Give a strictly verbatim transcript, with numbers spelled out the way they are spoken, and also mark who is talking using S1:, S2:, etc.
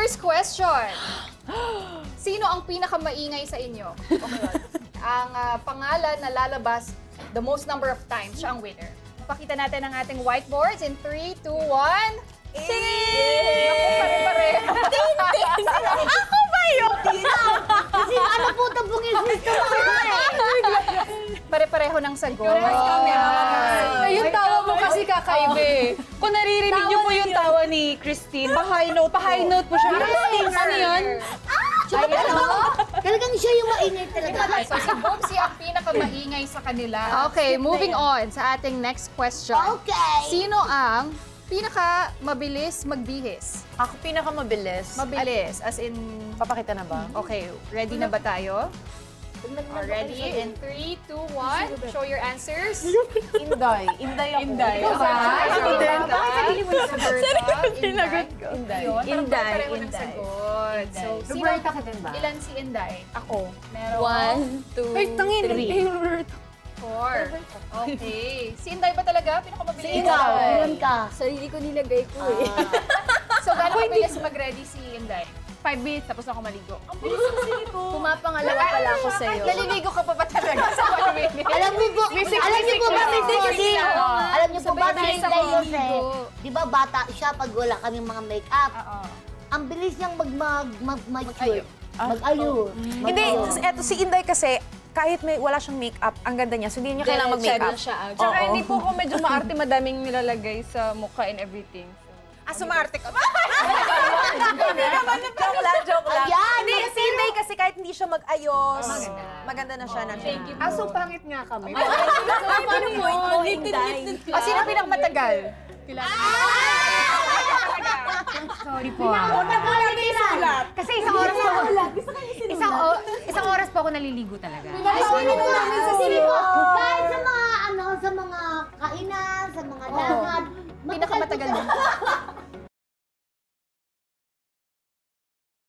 S1: first question. Sino ang pinakamaingay sa inyo? Okay. Ang ah, pangalan na lalabas the most number of times, siya ang winner. Pakita natin ang ating whiteboards in three, two, one. Ting! Ako pare-pare.
S2: Ako ba yun?
S3: Kasi ano po ito pong isisto mo
S1: Pare-pareho ng sagot.
S2: Ay, yung tawa mo kasi kakaiba eh. Kung naririnig niyo po yung tawa ni Christine, pa-high note pa-high note po siya. Christine, ano yun?
S3: Ay, ano? Talagang siya yung mainit talaga.
S1: So si Boobsy ang pinakamaingay sa kanila. Okay, moving on sa ating next question.
S3: Okay.
S1: Sino ang pinaka mabilis magbihis?
S2: Ako pinakamabilis.
S1: Mabilis, as in...
S2: Papakita na ba?
S1: Okay, ready na ba tayo? Oh, ready? In three, two, one. Show your answers.
S2: Inday. Inday ako.
S1: Inday.
S2: Ikaw ba?
S1: Ako din. Bakit sarili mo yung sagot?
S2: Sinagot ko.
S1: Inday.
S2: Yun,
S1: Inday.
S2: Inday.
S1: Pareho ng sagot. So, sino,
S3: Roberta ka din ba?
S1: ilan si Inday?
S2: Ako.
S1: Meron.
S2: One, two,
S4: Ay, tangin.
S2: three.
S1: Four. Okay. Si Inday ba talaga? Pinakamabilis?
S3: Si ikaw, ilan ka?
S4: Sarili ko nilagay ko eh.
S1: So, gano'ng kabilis mag-ready si Inday?
S2: Five minutes, tapos ako maligo.
S1: Ang bilis kasi nito.
S4: Pumapangalawa pala ako sa'yo.
S1: Naliligo ka pa ba talaga sa one minute?
S3: Alam niyo po, alam niyo po ba, Miss Cody? Alam niyo po ba,
S1: Sabay
S3: Miss
S1: sa
S3: Cody?
S1: ligo.
S3: Di ba bata siya pag wala kaming mga make-up?
S1: Oo.
S3: Ang bilis niyang mag mag mag mature. Mag-ayo.
S5: Hindi, eto si Inday kasi, kahit may wala siyang makeup, ang ganda niya. So, hindi niya kailangan mag-makeup.
S4: siya.
S2: Tsaka
S5: Oo.
S2: hindi po ako medyo maarte, madaming nilalagay sa mukha and everything.
S5: Ah, sumarte ka ba? Hindi naman, joke lang, joke lang.
S3: Ayan,
S5: Hindi, si Inday kasi kahit hindi siya mag-ayos, maganda na siya.
S1: Thank you.
S4: Aso pangit nga kami.
S5: Paano point mo, Inday?
S1: O, sino pinakamatagal?
S4: Sorry po ah. Kasi isang oras po ako. Isang, o, isang oras po ako naliligo talaga.
S3: Ay, mo namin sa sili ko. Kahit sa mga ano, sa mga kainan, sa mga dagat.
S1: Pinakamatagal mo.